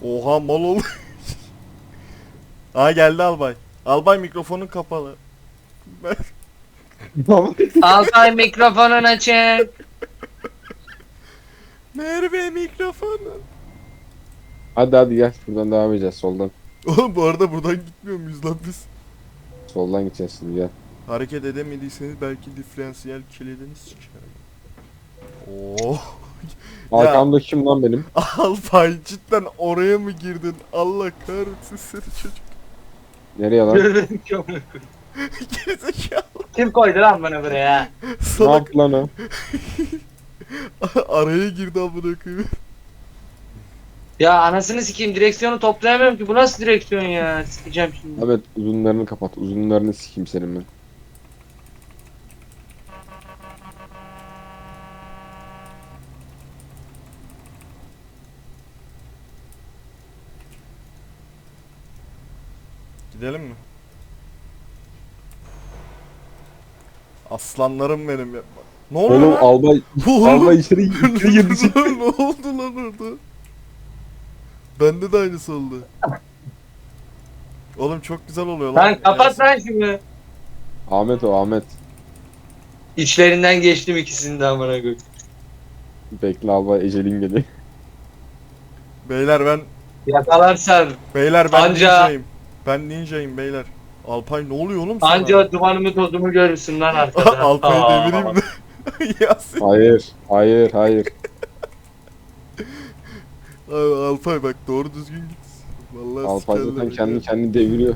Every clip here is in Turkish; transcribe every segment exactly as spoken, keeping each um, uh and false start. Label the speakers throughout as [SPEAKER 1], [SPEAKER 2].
[SPEAKER 1] Oha mal ol. Aa geldi albay. Albay mikrofonun kapalı. Ben...
[SPEAKER 2] Altay mikrofonun açık.
[SPEAKER 1] Merve mikrofonu.
[SPEAKER 3] Hadi hadi gel buradan devam edeceğiz soldan.
[SPEAKER 1] Oğlum bu arada buradan gitmiyor muyuz lan biz?
[SPEAKER 3] Soldan gideceğiz şimdi gel.
[SPEAKER 1] Hareket edemediyseniz belki diferansiyel kilidini sikerim. Oo.
[SPEAKER 3] Arkamda kim lan benim?
[SPEAKER 1] Albay cidden oraya mı girdin? Allah kahretsin seni çocuk.
[SPEAKER 3] Nereye lan?
[SPEAKER 1] Gerizekalı.
[SPEAKER 2] Kim koydu lan bunu buraya?
[SPEAKER 3] Ne
[SPEAKER 1] Salak
[SPEAKER 3] yaptı lan o?
[SPEAKER 1] araya girdi amına koyayım.
[SPEAKER 2] Ya anasını sikeyim, direksiyonu toplayamıyorum ki. Bu nasıl direksiyon ya? Sikeceğim şimdi.
[SPEAKER 3] Evet uzunlarını kapat. Uzunlarını sikeyim senin ben.
[SPEAKER 1] Gidelim mi? Aslanlarım benim ya. Ne oluyor
[SPEAKER 3] Oğlum
[SPEAKER 1] lan?
[SPEAKER 3] albay
[SPEAKER 1] Oğlum.
[SPEAKER 3] albay içeri içeri girdi çıktı.
[SPEAKER 1] Ne oldu lan orada? Bende de aynısı oldu. Oğlum çok güzel oluyor lan.
[SPEAKER 2] Lan kapat
[SPEAKER 1] Yasin.
[SPEAKER 2] lan şunu.
[SPEAKER 3] Ahmet o Ahmet.
[SPEAKER 2] İçlerinden geçtim ikisini de amına koyayım.
[SPEAKER 3] Bekle albay ecelin geliyor.
[SPEAKER 1] Beyler ben
[SPEAKER 2] Yakalarsan
[SPEAKER 1] beyler ben
[SPEAKER 2] Anca-
[SPEAKER 1] ninjayım. Ben ninjayım beyler. Alpay ne oluyor oğlum sana?
[SPEAKER 2] anca dumanımı tozumu görürsün lan arkada.
[SPEAKER 1] Alpay'ı
[SPEAKER 2] Aa.
[SPEAKER 1] devireyim mi? Yasin.
[SPEAKER 3] Hayır hayır hayır.
[SPEAKER 1] Abi Alpay bak doğru düzgün git. Vallahi
[SPEAKER 3] Alpay
[SPEAKER 1] sikerler
[SPEAKER 3] zaten
[SPEAKER 1] ya.
[SPEAKER 3] kendi kendini deviriyor.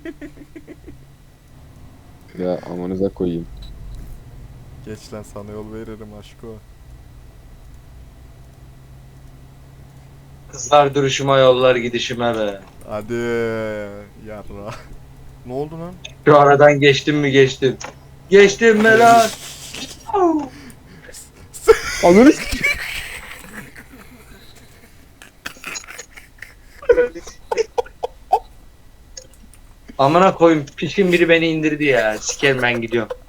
[SPEAKER 3] Ya amanıza koyayım.
[SPEAKER 1] Geç lan sana yol veririm aşko.
[SPEAKER 2] Kızlar duruşuma yollar gidişime be.
[SPEAKER 1] Hadi yarra. Ne oldu lan?
[SPEAKER 2] Şu aradan geçtim mi geçtim. Geçtim mi lan?
[SPEAKER 3] Ananı
[SPEAKER 2] Amına koyayım, pişkin biri beni indirdi ya. Sikerim ben gidiyorum.